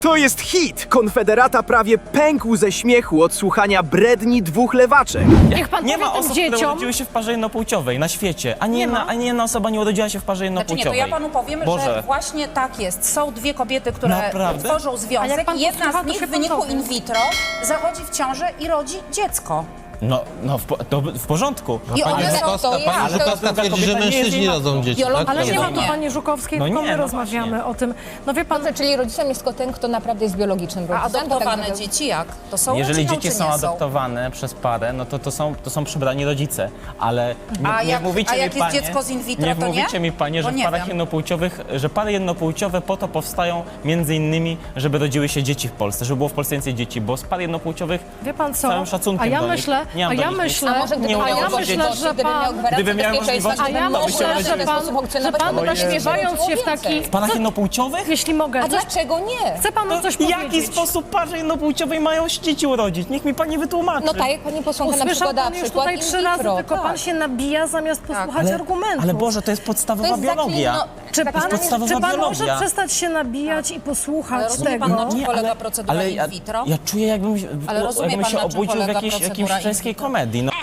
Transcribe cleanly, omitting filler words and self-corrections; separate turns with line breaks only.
To jest hit! Konfederata prawie pękł ze śmiechu od słuchania bredni dwóch lewaczek.
Niech pan
Nie
powie
ma
tym
osób, które
dzieciom...
urodziły się w parze jednopłciowej na świecie. Ani
Nie ma.
jedna osoba nie urodziła się w parze
Znaczy nie, to
jednopłciowej.
ja panu powiem,
Boże.
że właśnie tak jest. Są dwie kobiety, które
Naprawdę?
tworzą
A jak
związek
pan
i jedna
posłucha,
z
to
nich
się
w
pan
wyniku
dowie.
in vitro zachodzi w ciążę i rodzi dziecko.
No w porządku.
I
Pani
one są...
Żukowska twierdzi, że mężczyźni rodzą dzieci, tak?
Ale nie ma tu
Nie.
pani Żukowskiej,
No
tylko
nie,
my
no
rozmawiamy
właśnie.
o tym. No wie pan,
Czyli rodzicem jest tylko ten, kto naprawdę jest biologicznym
A
rodzicem.
adoptowane
to tak
dzieci jak? To są
Jeżeli
rodziną,
dzieci
czy
są
nie
adoptowane przez parę, no to są przybrani rodzice. Ale nie mówicie
a
mi,
jak jest
panie,
dziecko z in vitro,
nie
to nie?
mówicie mi, panie,
Bo
że w
nie
parach
wiem.
jednopłciowych, że pary jednopłciowe po to powstają między innymi, żeby rodziły się dzieci w Polsce, żeby było w Polsce więcej dzieci, bo z par jednopłciowych
wie pan
z
co?
całym szacunkiem
A ja
do nich,
myślę,
nie mam
a
do
ja
nich nic.
myślę,
A może gdyby
Nie
miał
umiałem
możliwości,
myślę, że
gdyby miał
pan...
gwarancję
Gdyby miał
bezpieczeństwa,
możliwości,
A ja
gdyby
to byście
myślę,
mógł
że
w ten
pan,
sposób
że
funkcjonować,
pan
to by
naśmiewając się w taki...
W parach jednopłciowych?
Jeśli mogę,
A
coś,
dlaczego nie?
chcę panu coś
W
powiedzieć.
jaki sposób parze jednopłciowej mają dzieci urodzić? Niech mi pani wytłumaczy.
No tak, jak pani posłanka na
Usłyszał
przykład dała
pan już
przykład
tutaj
in
3 razy,
vitro,
tylko pan
tak.
się nabija zamiast posłuchać argumentów.
Ale Boże, to jest
To
podstawowa
jest
biologia.
zaklino-
Czy
tak
pan,
podstawowa
czy pan
biologia.
może przestać się nabijać i posłuchać
Ale rozumie
tego?
pan, na czym
Nie,
polega
ale-
procedura in vitro?
Ja czuję, jakbym,
Ale rozumie
jakbym
pan,
się
na czym
obudził w
polega
jakiejś
procedura in
czeskiej
vitro?
komedii. No.